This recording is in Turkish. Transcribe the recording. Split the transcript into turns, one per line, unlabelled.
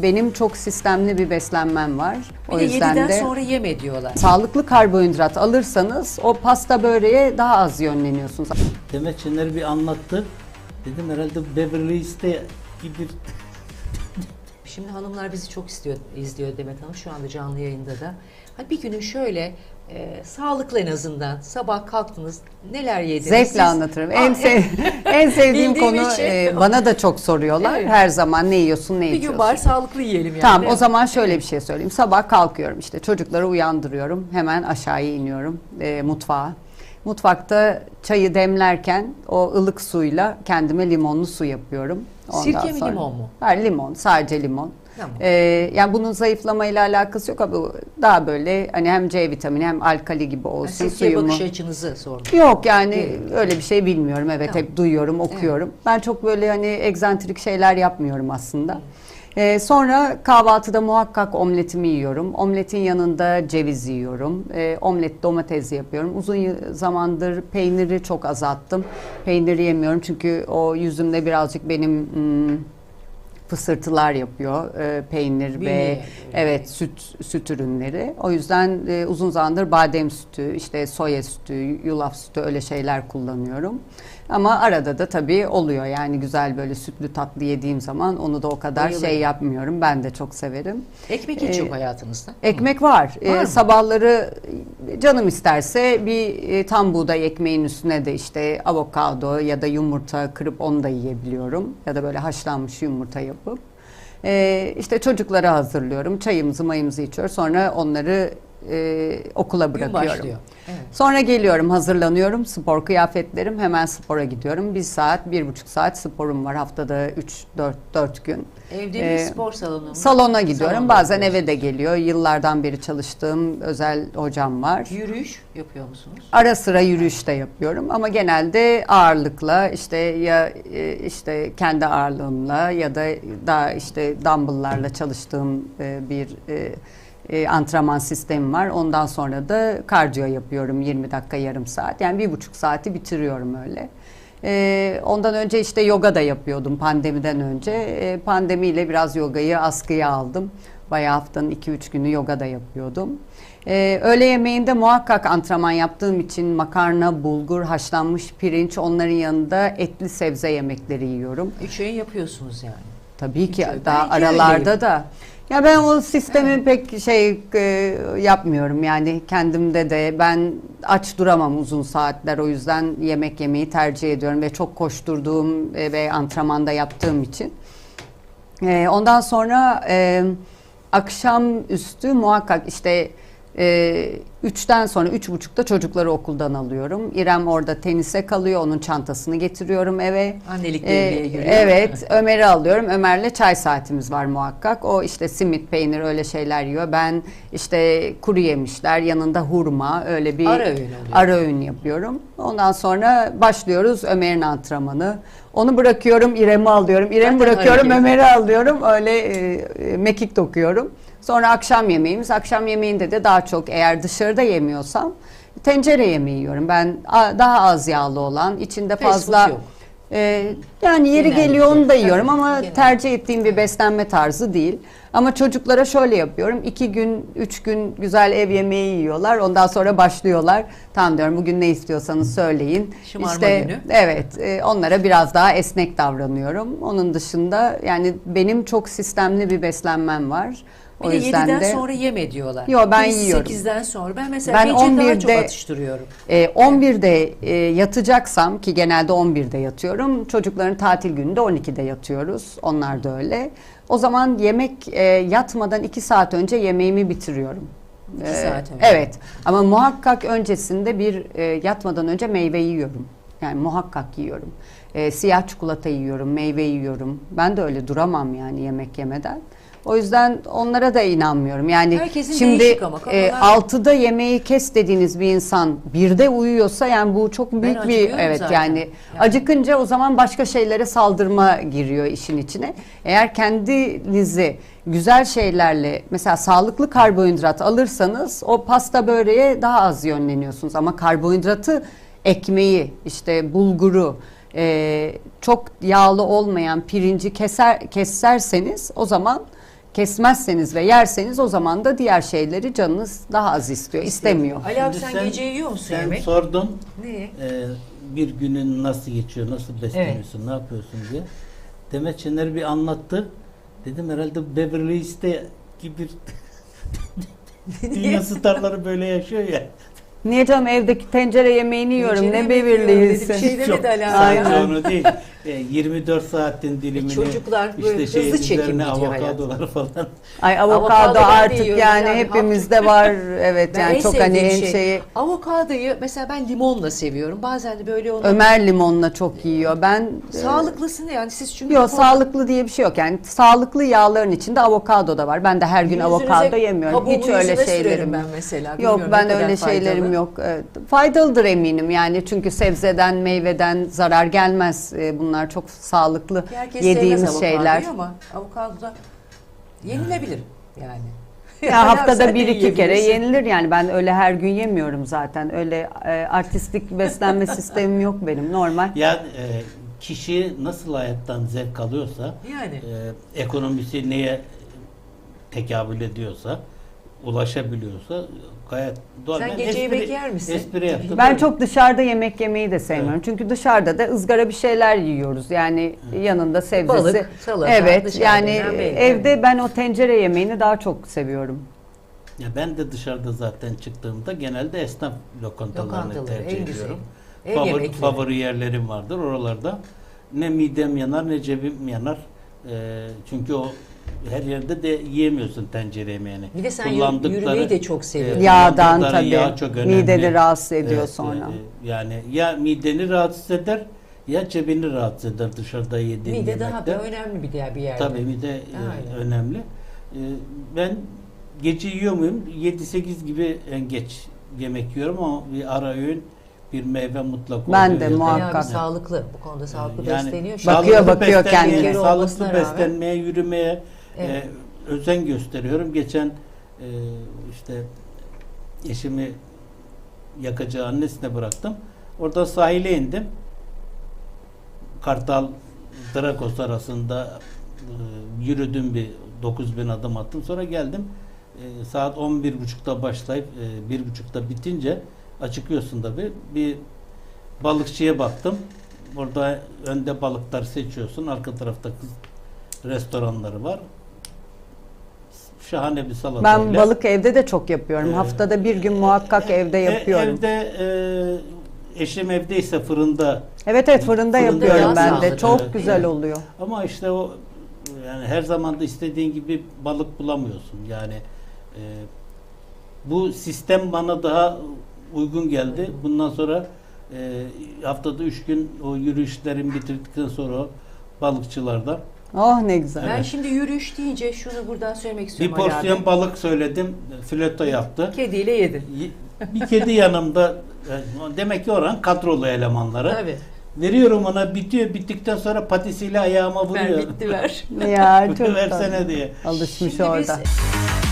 benim çok sistemli bir beslenmem var.
Bir de 7'den sonra yeme diyorlar.
Sağlıklı karbonhidrat alırsanız o pasta böreğe daha az yönleniyorsunuz.
Demet Şener bir anlattı. Dedim herhalde Beverly Hills'te gibi.
Şimdi hanımlar bizi çok izliyor Demet Hanım şu anda canlı yayında da. Hani bir günün şöyle sağlıklı en azından sabah kalktınız neler yediniz?
Zevkle
siz?
anlatırım. En sevdiğim
Bildiğim
konu
için.
bana da çok soruyorlar.
Evet.
Her zaman ne yiyorsun, ne
Bir gün
içiyorsun?
var sağlıklı yiyelim yani.
Tamam
değil
o
mi?
zaman şöyle bir şey söyleyeyim. Sabah kalkıyorum işte çocukları uyandırıyorum. Hemen aşağıya iniyorum mutfağa. Mutfakta çayı demlerken o ılık suyla kendime limonlu su yapıyorum.
Sirke mi, limon mu?
Hayır, limon, sadece limon.
Tamam.
Yani bunun zayıflamayla alakası yok ama daha böyle hani hem C vitamini hem alkali gibi olsun
Sirkeye
suyumu.
bakış açınızı sordum.
Yok yani öyle bir şey bilmiyorum. Evet
Tamam.
hep duyuyorum, okuyorum. Ben çok böyle hani egzantrik şeyler yapmıyorum aslında. Sonra kahvaltıda muhakkak omletimi yiyorum. Omletin yanında ceviz yiyorum. Omlet domates yapıyorum. Uzun zamandır peyniri çok azalttım. Peyniri yemiyorum çünkü o yüzümde birazcık benim fısırtılar yapıyor peynir ve evet süt ürünleri. O yüzden uzun zamandır badem sütü, işte soya sütü, yulaf sütü öyle şeyler kullanıyorum. Ama arada da tabii oluyor yani güzel böyle sütlü tatlı yediğim zaman onu da o kadar
Bayılırım.
şey yapmıyorum. Ben de çok severim.
Ekmek hiç yok hayatınızda.
Ekmek var.
Var mı?
Sabahları canım isterse bir tam buğday ekmeğin üstüne de işte avokado ya da yumurta kırıp onu da yiyebiliyorum. Ya da böyle haşlanmış yumurta yapıp. İşte çocuklara hazırlıyorum. Çayımızı mayımızı içiyor. Sonra onları okula
Gün
başlıyorum.
başlıyor. Evet.
Sonra geliyorum, hazırlanıyorum, spor kıyafetlerim, hemen spora gidiyorum. 1,5 saat sporum var haftada 4 gün.
Evde mi spor salonu mu?
Salona gidiyorum.
Salonda
Bazen
yapıyorsunuz.
eve de geliyor. Yıllardan beri çalıştığım özel hocam var.
Yürüyüş yapıyor musunuz?
Ara sıra yürüyüş de yapıyorum ama genelde ağırlıkla işte ya işte kendi ağırlığımla ya da daha işte dumbbell'larla çalıştığım bir antrenman sistemi var. Ondan sonra da kardiyo yapıyorum 20 dakika yarım saat. Yani 1,5 saati bitiriyorum öyle. Ondan önce işte yoga da yapıyordum pandemiden önce. Pandemiyle biraz yogayı askıya aldım. Bayağı haftanın 2-3 günü yoga da yapıyordum. Öğle yemeğinde muhakkak antrenman yaptığım için makarna, bulgur, haşlanmış pirinç onların yanında etli sebze yemekleri yiyorum.
3 öğün yapıyorsunuz yani.
Tabii ki
Ben
daha
iki
aralarda
öğleyim.
da. Ya ben o sistemi pek yapmıyorum yani kendimde de ben aç duramam uzun saatler o yüzden yemek yemeyi tercih ediyorum ve çok koşturduğum ve antrenmanda yaptığım için. Ondan sonra akşamüstü muhakkak işte 3'ten sonra 3.30'da çocukları okuldan alıyorum. İrem orada tenise kalıyor. Onun çantasını getiriyorum eve.
Annelik devreye giriyor.
Evet. Ömer'i alıyorum. Ömer'le çay saatimiz var muhakkak. O işte simit, peynir öyle şeyler yiyor. Ben işte kuru yemişler yanında hurma öyle bir
Ara öğün oluyor.
ara öğün yapıyorum. Ondan sonra başlıyoruz Ömer'in antrenmanı. Onu bırakıyorum, İrem'i alıyorum. İrem'i
Zaten
bırakıyorum,
hareket.
Ömer'i alıyorum. Öyle mekik dokuyorum. Sonra akşam yemeğimiz. Akşam yemeğinde de daha çok eğer dışarıda yemiyorsam tencere yemeği yiyorum. Ben daha az yağlı olan, içinde
Fast
fazla
food yok.
yani yeri
Genellikle.
geliyor onu da yiyorum
Tabii,
ama
genellikle.
tercih ettiğim bir beslenme tarzı değil. Ama çocuklara şöyle yapıyorum. 2 gün, 3 gün güzel ev yemeği yiyorlar. Ondan sonra başlıyorlar. Tamam diyorum bugün ne istiyorsanız söyleyin.
Şımarma günü.
Evet, onlara biraz daha esnek davranıyorum. Onun dışında yani benim çok sistemli bir beslenmem var.
Bir
O
de
yüzden
7'den
de
sonra yeme diyorlar.
Yo, ben
Biz
yiyorum.
8'den sonra. Ben mesela
Ben
gece daha
11'de
çok atıştırıyorum.
11'de yatacaksam ki genelde 11'de yatıyorum. Çocukların tatil gününde 12'de yatıyoruz. Onlar da öyle. O zaman yemek yatmadan 2 saat önce yemeğimi bitiriyorum.
2 saat önce.
Evet ama muhakkak öncesinde yatmadan önce meyve yiyorum. Yani muhakkak yiyorum. Siyah çikolata yiyorum, meyve yiyorum. Ben de öyle duramam yani yemek yemeden. O yüzden onlara da inanmıyorum. Yani
Herkesin
şimdi
değişik ama kafalar-
6'da yemeği kes dediğiniz bir insan 1'de uyuyorsa yani bu çok büyük bir
acıkıyorum
evet
zaten.
yani acıkınca o zaman başka şeylere saldırma giriyor işin içine. Eğer kendinizi güzel şeylerle mesela sağlıklı karbonhidrat alırsanız o pasta böreğe daha az yönleniyorsunuz ama karbonhidratı ekmeği işte bulguru çok yağlı olmayan pirinci keserseniz o zaman kesmezseniz ve yerseniz o zaman da diğer şeyleri canınız daha az istiyor, istemiyor.
Ali abi
Şimdi
sen gece yiyor musun
sen
yemek?
sordun
Ne?
bir günün nasıl geçiyor, nasıl besleniyorsun, ne yapıyorsun diye. Demet Şener bir anlattı. Dedim herhalde Beverly Hills'te gibi dünya starları böyle yaşıyor ya.
Niye canım, evdeki tencere yemeğini yiyorum,
Tencere
ne
yemek
Beverly
yiyorum dedi, bir
Hills'in.
şey demedi Ali abi.
Aynen.
Onu değil. 24 saatin dilimini
çocuklar böyle hızlı
şeyin
çekim
üzerine
gidiyor
avokadoları falan.
Ay
Avokado
avokado
ben de
artık
yiyorum
yani
yani,
hepimizde var. Evet
Ben
yani
en
çok hani
sevdiğim
en
şey.
şeyi.
Avokadoyu mesela ben limonla seviyorum. Bazen de böyle onu
Ömer limonla çok yiyor. Ben
sağlıklısını yani siz çünkü
yok, sağlıklı diye bir şey yok. Yani sağlıklı yağların içinde avokado da var. Ben de her gün avokado yemiyorum.
kabuğumu
Hiç öyle
yüzüme
şeylerim
sürerim ben
yok.
mesela.
Yok,
Bilmiyorum
ben
ne kadar
öyle
faydalı.
şeylerim yok. Evet. Faydalıdır eminim yani, çünkü sebzeden, meyveden zarar gelmez. Bunlar çok sağlıklı
Herkes
yediğimiz
sevmez
şeyler.
avokadoyu ama avokado da yenilebilir yani.
Ya haftada
Sen de
bir iki kere
yiyebilirsin.
yenilir yani, ben öyle her gün yemiyorum zaten. Öyle artistik beslenme sistemim yok benim, normal.
Ya kişi nasıl hayattan zevk alıyorsa,
Yani.
ekonomisi neye tekabül ediyorsa, ulaşabiliyorsa gayet doğal.
Sen
Ben
gece yemek yer misin?
Espri yaptım.
Ben çok dışarıda yemek yemeyi de sevmiyorum. Çünkü dışarıda da ızgara bir şeyler yiyoruz. Yani yanında sebzesi.
Balık, salata,
Evet.
dışarıda
Yani
yiyen belli.
evde ben o tencere yemeğini daha çok seviyorum.
Ya ben de dışarıda zaten çıktığımda genelde esnaf lokantalarını
Lokantaları,
tercih
en güzeli.
ediyorum.
Ev yemekleri.
Favori yerlerim vardır oralarda. Ne midem yanar ne cebim yanar. Çünkü o her yerde de yiyemiyorsun tencere yemeğini.
Bir de sen
Kullandıkları,
yürümeyi de çok seviyorsun.
Yağdan
kullandıkları
tabii.
yağ çok önemli.
Mideni rahatsız ediyor
Evet,
sonra.
yani ya mideni rahatsız eder ya cebini rahatsız eder dışarıda yediğin
Mide
yemekte.
daha da önemli bir diğer bir yerde.
Tabii mide
Aynen.
önemli. Ben gece yiyor muyum? 7-8 gibi en geç yemek yiyorum ama bir ara öğün, bir meyve mutlak
Ben
oluyor
de
ya da-
muhakkak.
Yani sağlıklı. Bu konuda sağlıklı
Yani
besleniyor.
Bakıyor,
sağlıklı
bakıyor
beslenmeye-
kendine.
Sağlıklı
Olmasına rağmen.
beslenmeye, yürümeye
Evet.
özen gösteriyorum. Geçen işte eşimi Yakacağı annesine bıraktım. Orada sahile indim. Kartal Drakos arasında yürüdüm, bir 9.000 adım attım. Sonra geldim. Saat 11.30'da başlayıp 1.30'da bitince acıkıyorsun tabii. Bir balıkçıya baktım. Orada önde balıklar seçiyorsun. Arka tarafta kız restoranları var. Şahane bir salata.
Ben balık evde de çok yapıyorum.
Evet.
Haftada bir gün muhakkak evde yapıyorum.
Evde eşim evdeyse fırında.
Evet evet, fırında
Fırında
yapıyorum
daha
ben de.
sağlıklı.
Çok
Evet.
güzel oluyor.
Ama işte o yani her zaman da istediğin gibi balık bulamıyorsun. Yani bu sistem bana daha uygun geldi. Bundan sonra haftada 3 gün o yürüyüşlerimi bitirdikten sonra balıkçılarda
Oh ne güzel.
Ben şimdi yürüyüş deyince şunu buradan söylemek
bir
istiyorum Ali
porsiyon
abi.
balık söyledim. Fileto yaptı.
Kediyle yedin.
Bir kedi yanımda. Demek ki oranın kadrolu elemanları.
Tabii.
Veriyorum ona, bitiyor. Bittikten sonra patisiyle ayağıma
Ver
vuruyor.
bitti ver.
Ya çok
Versene
tatlı.
diye.
Alışmış
Şimdi
orada.
biz